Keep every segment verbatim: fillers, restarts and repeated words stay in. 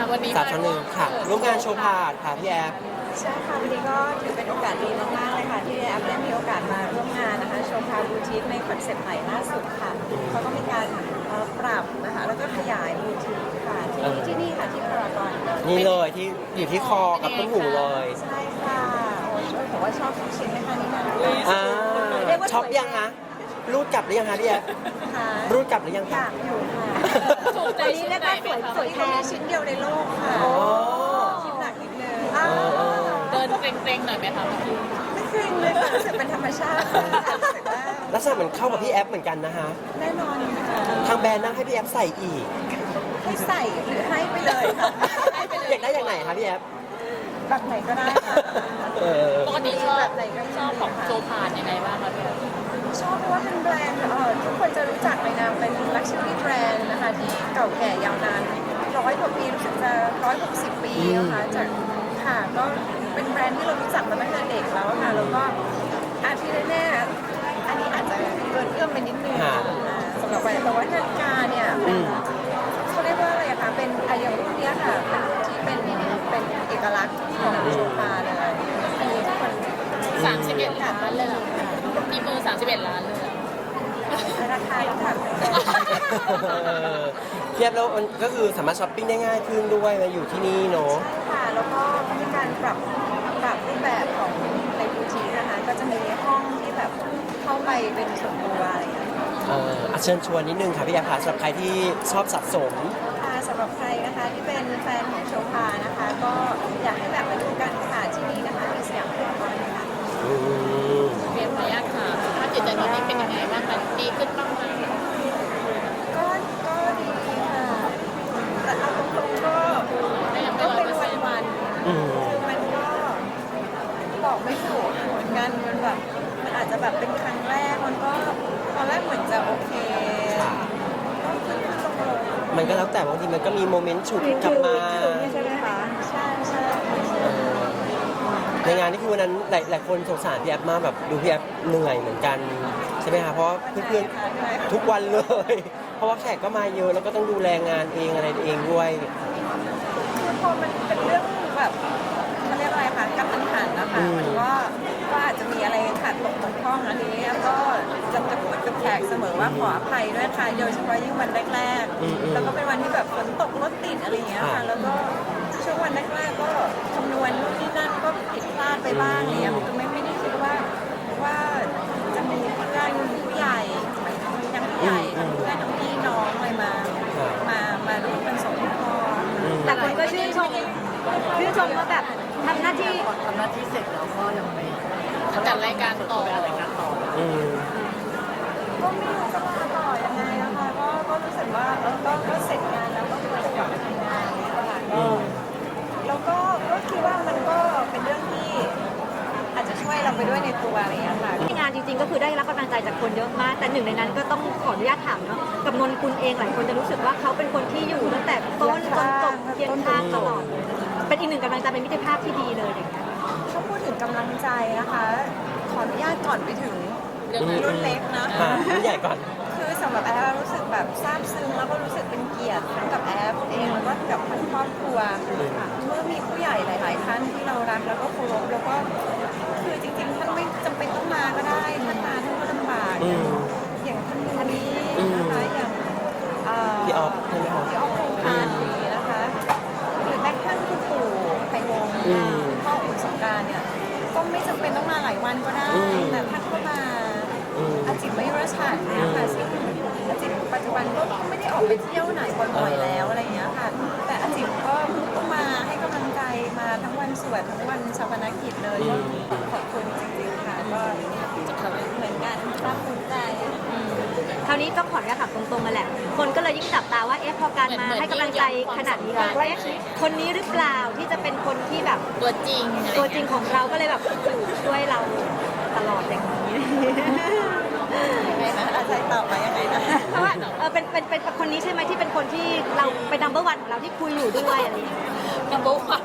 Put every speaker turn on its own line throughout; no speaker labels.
วันนี้
สามชั้นหนึ่งค่ะร่วมงานโชว์พาดค่ะพี่แอฟ
ใช่ค่ะวันนี้ก็ถือเป็นโอกาสดีมากๆเลยค่ะที่แอปได้มีโอกาสมาร่วมงานนะคะโชว์พาบูติกในคอนเซ็ปต์ใหม่ล่าสุดค่ะเขาก็มีการเอ่อปรับนะคะแล้วก็ขยายบูติกค่ะที่ที่นี่ค่ะที่พารากอน
นี่เลยที่อยู่ที่คอกับต้นหูเลย
ใช่ค่ะโอ้ยแต่ว่าชอบทุกชิ้นเลยค่ะนี่นะ
อ่าช็อปยังคะรูดกลับหรือยังคะพี่แอฟ
ค่ะ
รูดกลับหรือยัง
อ
คะ
ยากอยู่ค่ะ
ถูกใจ
วันนี้
ชิ้น
เรียก
ไหน
ว่า
ไหม
สวย
คะ
สวยแค่ชิ้นเดียวในโลกค่ะ
อ๋อ
คิดหนักนิดนึง
เออเออ
เดินเกรงๆหน่อยไหมคะพี่
ไม่เคยเลยค่ะรู้สึกเป็นธรรมชาติค่ะรู้สึกว่า
ลักษณะเหมือนเข้ากับพี่แอฟเหมือนกันนะคะ
แน่นอนค่ะ
ทางแบรนด์นั่งให้พี่แอฟใส่อีก
ให้ใส่หรือให้ไปเลยค่ะให้ไปเลย
อยากได้อย่างไหนคะพี่แอฟ
แบบไหนก็ได้ค่ะ
เออ
ปกติชอบ
แบบไหนก็
ชอบของโจพานยังไงบ้างคะพี่
ชอบเพราะว่าเป็นแบรนด์เอ่อทุกคนจะรู้จักในนามเป็น luxury brand นะคะที่เก่าแก่ยาวนานร้อยกว่าปีรู้สึกจะร้อยหกสิบปีนะคะจากค่ะก็เป็นแบรนด์ที่เรารู้จักมาตั้งแต่เด็กแล้วค่ะแล้วก็อาที่แน่ๆอันนี้อาจจะเกินเอื้อมไปนิดนึงสำหรับแบรนด์แต่ว่านาฬิกาเนี่ยเป็นเขาเรียกว่าอะไรอะคะเป็นอายุรุ่นเนี้ยค่ะเป็นรุ่นที่เป็นเป็นเอกลักษณ์ของโชฟาเลยอันนี้ทุกคน
สามสิบเอ็ดล้านเลยเหรอมีมือสามสิบเอ็ดล้านเลยเหรอ
ราคาแล้วค่ะ
พี่แอฟแล้วมันก็คือสามารถช้อปปิ้งได้ง่ายขึ้นด้วยมาอยู่ที่นี่เนาะ
ใช่ค่ะ แล้วก็มีการปรับปรับรูปแบบของในบูติกนะคะ ก็จะมีห้องที่แบบเข้าไปเป็นส่วนตัวอะไรอย่างเงี้ย
เอออ่ะเชิญชวนนิดนึงค่ะพี่แอฟค่ะสำหรับใครที่ชอบสะสม
ค่ะสำหรับใครนะคะที่เป็นแฟนของโชพานะคะ ก็อยากให้แบบมาดูกันค่ะที่นี่นะคะที่สยามพารากอนนะคะ
อืม
เรียนพยาค่ะถ้าจิตใจตอนนี้เป็นยังไงบ้างคะดีขึ้นบ้างไหม
ก็ก็ดีค่ะ แต่เอาตรงๆก็
ก็ยังไม่
ก็
ร้อย
เป็น
เปอร์เซ็นต์
วันๆ
อืม
คือมันก็บอกไม่ถูกเหมือนกันมันแบบมันอาจจะแบบเป็นครั้งแรกมันก็ตอนแรกเหมือนจะโอเค
ค่ะ
ก็ขึ้นขึ้นลงลง
มันก็แล้วแต่บางทีมันก็มีโมเมนต์ฉุกกลับมา
ใช่ไหมคะใช่ใช่
เออในงานนี่คือวันนั้นหลายหลายคนสงสารพี่แอฟมากแบบดูพี่แอฟเหนื่อยเหมือนกันใช่ไหมคะเพราะว่าเพื่อนๆทุกวันเลย เพราะว่าแขกก็มาเยอะแล้วก็ต้องดูแลงานเองอะไรเองด้วย
คือพอมันเป็นเรื่องแบบเขาเรียกอะไรคะกระทันหันนะคะมันก็ก็อาจจะมีอะไรขาดตกบกพร่องอันนี้ก็จะจะพูดกับแขกเสมอว่าขออภัยด้วยค่ะโดยเฉพาะยิ่งวันแรกๆแล้วก็เป็นวันที่แบบฝนตกรถติดอะไรอย่างเงี้ยค่ะแล้วก็ช่วงวันแรกๆก็คำนวณนู่นนี่นั่นก็ผิดพลาดไปบ้างเนี่ยคือไม่ไม่ได้คิดว่าว่าจะมีเพื่อนผู้ใหญ่ทั้งผู้ใหญ่ทั้งเพื่อนทั้งพี่น้องอะไรมามามาร่วมกันส่งพ่อ
แต่คนก็ชื่นชมชื่นชมว่าแบบทำหน้าที่
ทำหน้าที่เสร็จแล้วก็ยังไม่
จัดรายการต่อ
ไปอะไรายกันต่อ
อืม
ก็ไม่รู้จะมาต่อยังไงนะคะก็ก็รู้สึกว่าเออก็ก็เสร็จงานแล้วก็ควรจะกลับมาทำงานเนี่ยค่ะก็แล้วก็ก็คิดว่ามันก็เป็นเรื่องที่อาจจะช่วยเราไปด้วยในตัวอะไรอย่างเงี้ยค่ะ
ที่งานจริงๆก็คือได้รับกำลังใจจากคนเยอะมาก แต่หนึ่งในนั้นก็ต้องขออนุญาตถามเนาะกับนนกุลเองหลายคนจะรู้สึกว่าเขาเป็นคนที่อยู่ตั้งแต่ต้นจนจบเคียงข้างตลอดเลยเป็นอีกหนึ่งกำลังใจเป็นมิตรภาพที่ดีเลยอย่างเงี้ย
ถ้าพูดถึงกำลังใจนะคะ ขออนุญาตก่อนไปถึง
เรื่องนั้น
รุ่นเล็กนะ
อ่ะรุ่นใหญ่ก่อน
คือสำหรับแอฟรู้สึกแบบซาบซึ้งแล้วก็รู้สึกเป็นเกียรติทั้งกับแอฟเองแล้วก็กับทั้งครอบครัวค่ะเมื่อมีผู้ใหญ่หลาย ๆ ท่านที่เรารักแล้วก็เคารพแล้วก็คือจริง ๆ ท่านไม่จำเป็นต้องมาก็ได้ท่านมาท่านก็ลำบาก
อืม
อย่างท่านมูนี้
อืม
นะคะอย่างเ
พี่ออฟใช่ไหมคะ
พี่ออฟโครงการนี้นะคะหรือแม้กระทั่งคุณปู่ไพวงศ์
อืม
คุณพ่ออุ่นสงกรานต์เนี่ยก็ไม่จำเป็นต้องมาหลายวันก็ได้
อืม
แต่ท่านก็มา
อืม
อาจิตไม่ยุรชาติเนี่ยค่ะซึ่งอาจิตปัจจุบันก็ไม่ได้ออกไปเที่ยวไหนบ่อยๆแล้วอะไรอย่างเงี้ยค่ะ แต่อาจิตก็ก็มาให้กำลังใจมาทั้งวันสวดทั้งวันชาปนกิจเลยก็ขอบคุณจริงๆค่ะก็เหมือนกันภาคภูมิใจ
คราวนี้ต้องขออนุญาตถามตรงๆมาแหละ คนก็เลยยิ่งจับตาว่าเอ๊ะพอการมาให้กำลังใจขนาดนี้แล้วเอ๊ะคนนี้หรือเปล่าที่จะเป็นคนที่แบบ
ตัวจริงอะไร
ตัวจริงของเราก็เลยแบบอยู่ช่วยเราตลอดอย่างนี้
ยังไงนะอาจารย์ตอบมายังไงนะ
เพราะว่าเออเป็นเป็นเป็นคนนี้ใช่ไหมที่เป็นคนที่เราเป็นนัมเบอร์วันของเราที่คุยอยู่ด้วยอะไรอย่างเงี้ย
นัมเบอร์วัน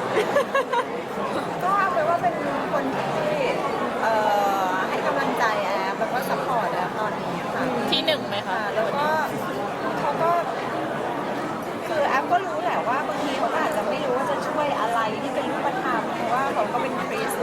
ก็เอาไปนว่าเป็นคนที่เอ่อให้กำลังใจแอฟแล้วก็ซัพพอร์ตแอฟตอนนี้ค่ะ
ที่หนึ่งไหมคะ
ค่ะแล้วก็เขาก็คือแอฟก็รู้แหละว่าบางทีเขาก็อาจ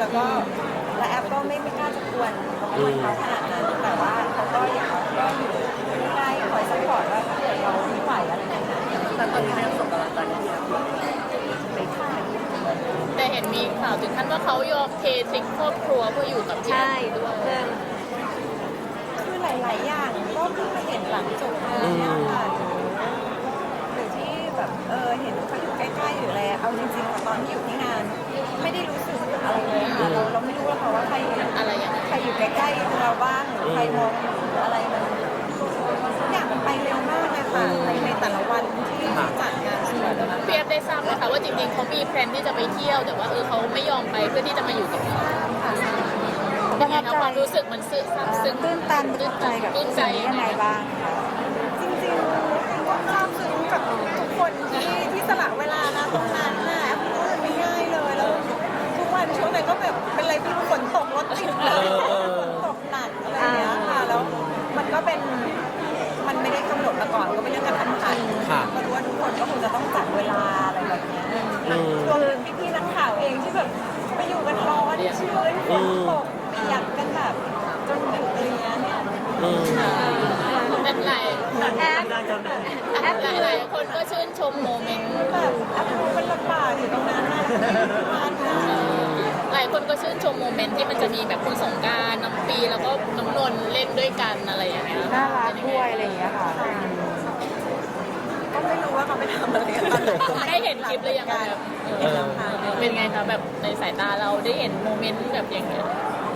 แล้วก็และแอปก็ไม่ไม่กล้าจะกวนเขาขนาดนั้นแต่ว่าเขาก็อยากก็อยู่ใกล้คอยซัพพอร์ตว่าถ้าเกิดเราไม่ไหวอะไรอย่างเงี้ย
แต่ตอนนี้ก็ยังส่งกำลังใจให้พี่แอฟอยู่
ไม่ค่ะ
แต่เห็นมีข่าวถึงขั้นว่าเขายอมเททิ้งครอบครัวเพื่ออยู่กับพี่
ใช่
แอฟด้วย
เรื่อง
คือหลาย ๆ อย่างก็เพิ่งมาเห็นหลังจบงานเนี่ยค่ะหรือที่แบบเออเห็นเขาอยู่ใกล้ๆหรืออะไรเอาจริงๆอะตอนที่อยู่ที่งาน ไม่ได้รู้สึกอะไรเลยค่ะเราเราไม่รู้หรอกค่ะว่าใคร
อะไรอย่างเงี้ย
ใครอยู่ใกล้ๆเราบ้างหรือใครมองอยู่หรืออะไรมันทุกอย่างมันไปเร็วมากเลยค่ะในในแต่ละวันที่จัดงานสวยนะคะ
พี่แอฟได้ทราบไหมคะว่าจริงๆเขามีแพลนที่จะไปเที่ยวแต่ว่าเออเขาไม่ยอมไปเพื่อที่จะมาอยู่กับเรายังไงนะความรู้สึกมันซึ้งซาบซึ้ง
ตื้นตันตื้นใจกับ
ตื้นใจยังไงบ้าง
จริงๆก็ซาบซึ้งกับทุกคนที่ที่สละเวลานะตรงนั้นน่ะเพราะว่ามันไม่ง่ายเลยแล้วทุกวันช่วงนั้นก็แบบเป็นอะไรที่ฝนตกรถติดเลยฝนตกหนักอะไรอย่างเงี้ยค่ะแล้วมันก็เป็นมันไม่ได้กำหนดมาก่อนก็เป็นเรื่องกระทันหันก็รู้ว่าทุกคนก็คงจะต้องจัดเวลาอะไรแบบเนี้ยรวมถึงพี่ๆนักข่าวเองที่แบบไปอยู่กันร้อนชื้นฝนตกเปียกกันแบบจนดึกอะไรเงี้ยเนี่ย
อืม
แต่หลาย
แอปแอป
หลายหลายคนก็ชื่นชมโมเมนต์
แบบแอปรู้เป็นลำบากอยู่ตรงนั้นนะมาค่ะ
หลายคนก็ชื่นชมโมเมนต์ที่มันจะมีแบบคุณสงกรารน้ำปีแล้วก็น้ำนนท์เล่นด้วยกันอะไรอย่างเงี้ย
น่ารักด้วยอะไรอย่างเงี้ยค่ะก็ไม่รู้ว่าเขาไปทำอะไรกันตอนไหน
ได้เห็นคลิปหรือยังคะแบบเออเป็นไงคะแบบในสายตาเราได้เห็นโมเมนต์แบบอย่างเงี้ย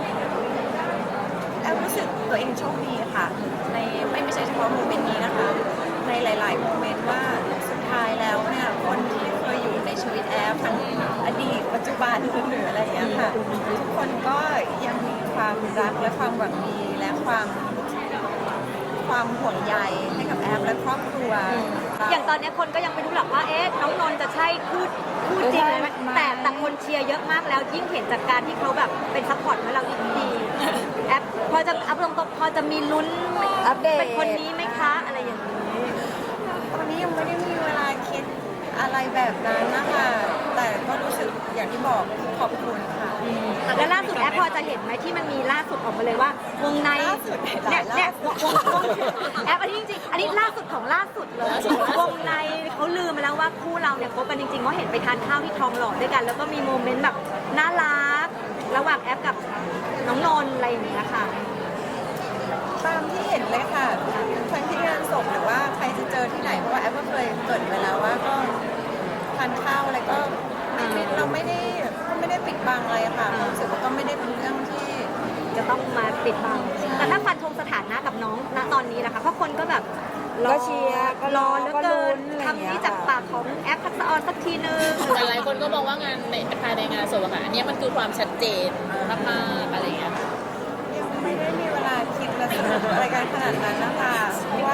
แอมรู้สึกตัวเองโชคดีค่ะในไม่ไม่ใช่เฉพาะโมเมนต์นี้นะคะ ในหลาย ๆ โมเมนต์ว่าสุดท้ายแล้วเนี่ยคนที่เคยอยู่ในชีวิตแอฟทั้งอดีตปัจจุบันหรืออะไรอย่างเงี้ยค่ะทุกคนก็ยังมีความรักและความหวังดีและความความห่วงใยให้กับแอฟและครอบครัว
อย่างตอนนี้คนก็ยังไม่รู้หรอกว่าเอ๊ะน้องนนท์จะใช่คู่คู่จริงเลยไหมแต่แต่คนเชียร์เยอะมากแล้วยิ่งเห็นจากการที่เขาแบบเป็นซัพพอร์ตให้เรายิ่งดีแอปพอจะอัพลงตัวพอจะมีลุ้น
อัปเดต
เป็นคนนี้ไหมคะ อะไรอย่างนี้
ตอนนี้ยังไม่ได้มีเวลาคิดอะไรแบบนั้นนะคะแต่ก็รู้สึกอย่างที่บอกขอบคุณค่ะ
แล้วล่าสุดแอปพอจะเห็นไหมที่มันมีล่าสุดออกมาเลยว่าวงใน
ล่าสุดห
เนี่
ลาย ย
เนี่ย
ล่าสุ
ว
ด
งวงแอปอันนี้จริงๆอันนี้ล่าสุดของล่าสุดเลยวงในเขาลืมไปแล้วว่าคู่เราเนี่ยคบกันจริงๆเพราะเห็นไปทานข้าวที่ทองหล่อด้วยกัน แล้วก็มีโมเมนต์แบบน่ารักระหว่างแอปกับน้องนนท์อะไรอย่างเงี้ยค่ะ
ตามที่เห็นเลยค่ะทั้งที่งานศพหรือว่าใครจะเจอที่ไหนเพราะว่าแอปก็เคยเกริดไปแล้วว่าก็ทานข้าวอะไรก็ไม่ไม่เราไม่ได้ไม่ได้ปิดบังอะไรค่ะรู้สึกว่าก็ไม่ได้เป็นเรื่องที่
จะต้องมาปิดบังแต่ถ้าฟันธงสถานะกับน้องณตอนนี้นะคะเพราะคนก็แบบรอ
ก็เชียร์ก็
ร
ร
อ
อ
เหลือ
ก็
เกิ
ลุ้
น
นอะไรอย่างเงี้ย
คำนี้จากปากของแอปทักษะออนสักทีนึง
แต่หลายคนก็มองว่างานในภายในงานศพอะค่ะอันนี้มันคือความชัดเจนมากๆอะไรอย่างเงี้ย
ยังไม่ได้มีเวลาคิดและสนุกอะไรกันขนาดนั้นนะคะเพราะว่า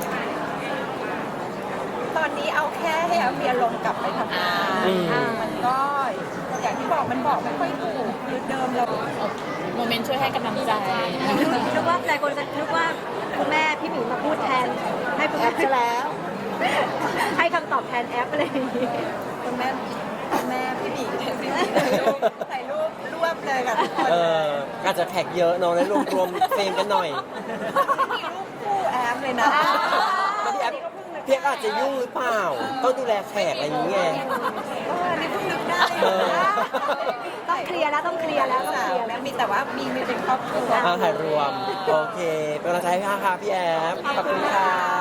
ตอนนี้เอาแค่ให้เอาเมียลงกลับไปทำงาน
อืม
มันก็อย่างที่บอกมันบอกไม่ค่อยถูกคือเดิมเรา
โมเมนต์ช่วยให้กำลังใจ
นึกว่าหลายคนจะนึกว่าคุณแม่พี่หมีมาพูดแทนให้คุณแอปจะแล้ว ให้คำตอบแทนแอปอะไรอย่างนี้
คุณแม่คุณแม่พี่หมีพี่หมีถ่ายรูปถ่ายรูปรวบเลยกับทุกคน
เอออาจจะแท็กเยอะเนาะแล้วรวมรวมเฟรมกันหน่อย
มีรูปคู่แอมเลยนะ
แล้วพี่แอฟพี่แอฟอาจจะยุ่งหรือเปล่า ต้องดูแลแขกอะไรอย่างเงี้ย
เออนี่เพิ่งนึกได้
เออ
ต้องเคลียร์แล้วต้องเคลียร์แล้วต้อง
สา
เคลียร์
แล้
แล้ว ว
มีแต่ว่ามีมีเป็นครอบครัว
อ่าถ่ายรวม โอเค เป็นกำลังใจให้พี่ค่ะพี่แอฟขอบคุณค่ะ